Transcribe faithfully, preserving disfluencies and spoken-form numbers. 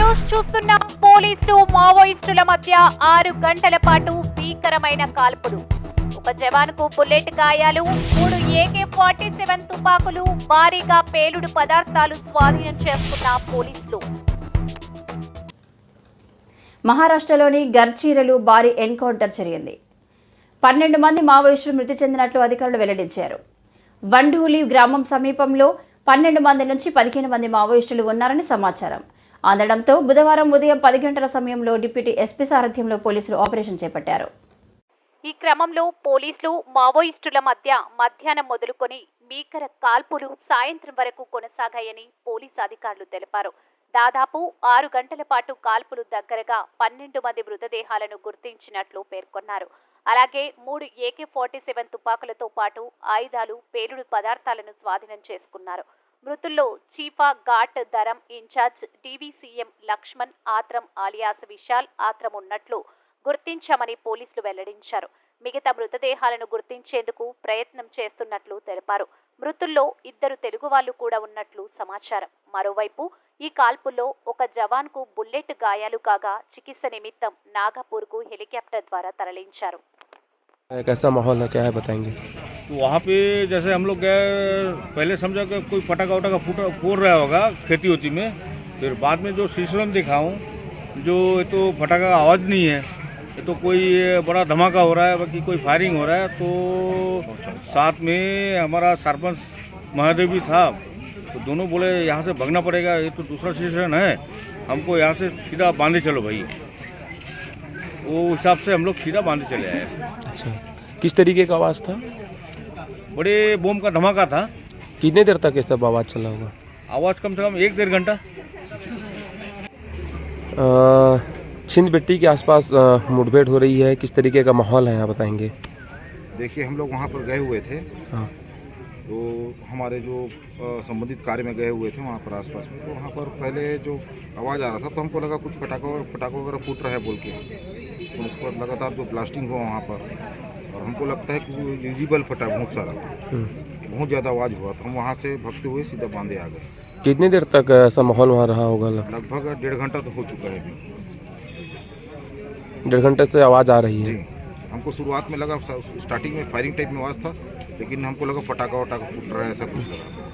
News చూస్తున్న పోలీసులు మావోయిస్టుల మధ్య ఆరు గంటల పాటు భీకరమైన కాల్పులు. ఒక జవాన్కు బుల్లెట్ గాయాలు, మూడు ఏకే ఫార్టీ సెవెన్ తుపాకులు, భారీగా పేలుడు పదార్థాలు స్వాధీనం చేసుకున్న పోలీసులు. మహారాష్ట్రలోని గర్చీరలో భారీ ఎన్కౌంటర్ జరిగింది. పన్నెండు మంది మావోయిస్టులు మృతి చెందినట్లు అధికారులు వెల్లడించారు. వండూలి గ్రామం సమీపంలో పన్నెండు మంది నుంచి పదిహేను మంది మావోయిస్టులు ఉన్నారని సమాచారం అందడంతో బుధవారం ఉదయం పది గంటల సమయంలో డిప్యూటీ ఎస్పీ సారథ్యంలో పోలీసులు ఆపరేషన్ చేపట్టారు. ఈ క్రమంలో పోలీసులు మావోయిస్టుల మధ్య మధ్యాహ్నం మొదలుకొని భీకర కాల్పులు సాయంత్రం వరకు కొనసాగాయని పోలీసు అధికారులు తెలిపారు. దాదాపు ఆరు గంటల పాటు కాల్పులు దగ్గరగా పన్నెండు మంది మృతదేహాలను గుర్తించినట్లు పేర్కొన్నారు. అలాగే మూడు ఏకే ఫార్టీ సెవెన్ తుపాకులతో పాటు ఆయుధాలు, పేలుడు పదార్థాలను స్వాధీనం చేసుకున్నారు. మృతుల్లో చీఫా ఘాట్ దరం incharge DVCM Lakshman Atram alias Vishal Atram ఉన్నట్లు గుర్తించామని పోలీసులు వెల్లడించారు. మిగతా మృతదేహాలను గుర్తించేందుకు ప్రయత్నం చేస్తున్నట్లు తెలిపారు. మృతుల్లో ఇద్దరు తెలుగు వాళ్లు కూడా ఉన్నట్లు సమాచారం. మరోవైపు ఈ కాల్పుల్లో ఒక జవాన్కు బుల్లెట్ గాయాలు కాగా చికిత్స నిమిత్తం నాగపూర్కు హెలికాప్టర్ ద్వారా తరలించారు. कैसा माहौल है, क्या है बताएंगे? वहाँ पे जैसे हम लोग गए, पहले समझा कि कोई पटाखा वटाखा फूट फोड़ रहा होगा खेती होती में, फिर बाद में जो सिस्टम देखा हूँ जो तो पटाखा का आवाज़ नहीं है, ये तो कोई बड़ा धमाका हो रहा है, बाकी कोई फायरिंग हो रहा है। तो साथ में हमारा सरपंच महादेव भी था, तो दोनों बोले यहाँ से भागना पड़ेगा, ये तो दूसरा स्टेशन है, हमको यहाँ से सीधा बांधे चलो भाई। वो हिसाब से हम लोग सीधा बांधे चले आए। अच्छा, किस तरीके का आवाज़ था? बड़े बम का धमाका था। कितने देर तक ये सब आवाज़ चला होगा? आवाज़ कम से कम एक डेढ़ घंटा। छिंद बेट्टी के आसपास मुठभेड़ हो रही है, किस तरीके का माहौल है यहाँ बताएंगे? देखिए, हम लोग वहाँ पर गए हुए थे। हाँ, तो हमारे जो संबंधित कार्य में गए हुए थे वहाँ पर आसपास में, तो वहाँ पर पहले जो आवाज़ आ रहा था तो हमको लगा कुछ पटाखा पटाखा वगैरह फूट रहा है बोल के, तो उसके बाद लगातार जो ब्लास्टिंग हुआ वहाँ पर, और हमको लगता है कि यूजिबल फटा बहुत सारा, बहुत ज़्यादा आवाज़ हुआ, तो हम वहाँ से भगते हुए सीधा बांधे आ गए। कितनी देर तक ऐसा माहौल वहाँ रहा होगा? लगभग डेढ़ घंटा तो हो चुका है अभी। डेढ़ घंटे से आवाज़ आ रही है जी, हमको शुरुआत में लगा, स्टार्टिंग में फायरिंग टाइप में आवाज़ था, लेकिन हमको लगा पटाखा वटाखा फूट रहा है, ऐसा कुछ लगा।